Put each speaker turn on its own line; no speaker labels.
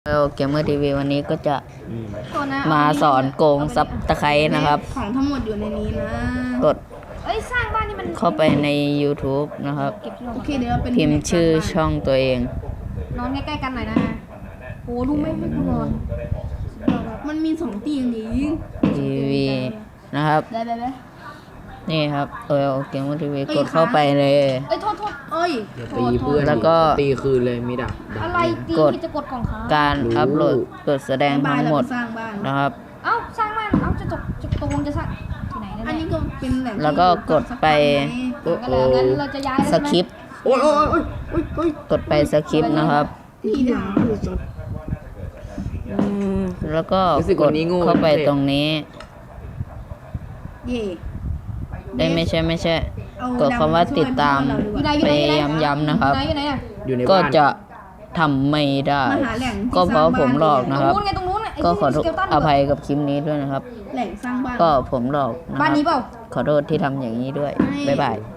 เกมเมอร์ทีวีวันนี้ก็จะ
ตัวนะ
มาสอนโกงซับตะไคร้นะครับ
ของทั้งหมดอยู่ในนี้นะ
กด
เอ้ยสร้างบ้านนี่มัน
เข้าไปใน YouTube นะครับ
เก็บที่ลง
โอเคเดี๋ยวเราเป็น
พิมพ์ชื่อช่องตัวเอง
นอนใกล้ๆกันหน่อยนะโอ้ดูไม่ให้กูนอน
มันมี2ตีอย่างนี้
ทีวีนะครับ
ได้
นี่ครับเกมเมอร์ทีวีกดเข้าไปเลย
เอ้ยโทษ
เอ้ย
อย่าตีเพื่อน
แล้วก็
ตีคืนเลยมีดัก
อะไรตี
กด
ที่จะกดกล่องค้าง
การอัพโหลดกดแสดงทั้งหมด
สร้างบ้าน
นะครับ
เอ้าสร้างบ้านเอ้าจะตกลงจะสร้างที่ไหน
อัน
เนี่ย
นี้ก็เป็นแหล่ง
แล้วก็กดไป
ก็เลยงั้นเราจะย้าย
สคริปต์
โอ้ยโอ้ยโอ้ยโอ้ยโอ้ย
กดไปสคริปต์นะครับ
ที่ด่า
แล้วก็กดเข้าไปตรงนี้
เย่
ได้ไม่ใช่
เอา
กดคำว่าติดตาม
อยู่ไหน
ไปย้ำๆนะครับ
อยู่ไหนอะ
อยู่ใน
ก็
บ้าน
จะทำไม่ได้
มาหาแหล่ง
ก็เพราะผมหลอก
ตร
นะ
ง
ครับ
นู้นไงตรงนู้นไอ้
ก็ขอ
ที่มีสเกลตัน
อภัยกับคลิปนี้ด้วยนะครับ
แหล่งสร้างบ้าน
ก็ผมหลอกนะค
บ้าน
รับ
นี้เปล่า
ขอโทษที่ทำอย่างนี้ด้วย บ๊ายบาย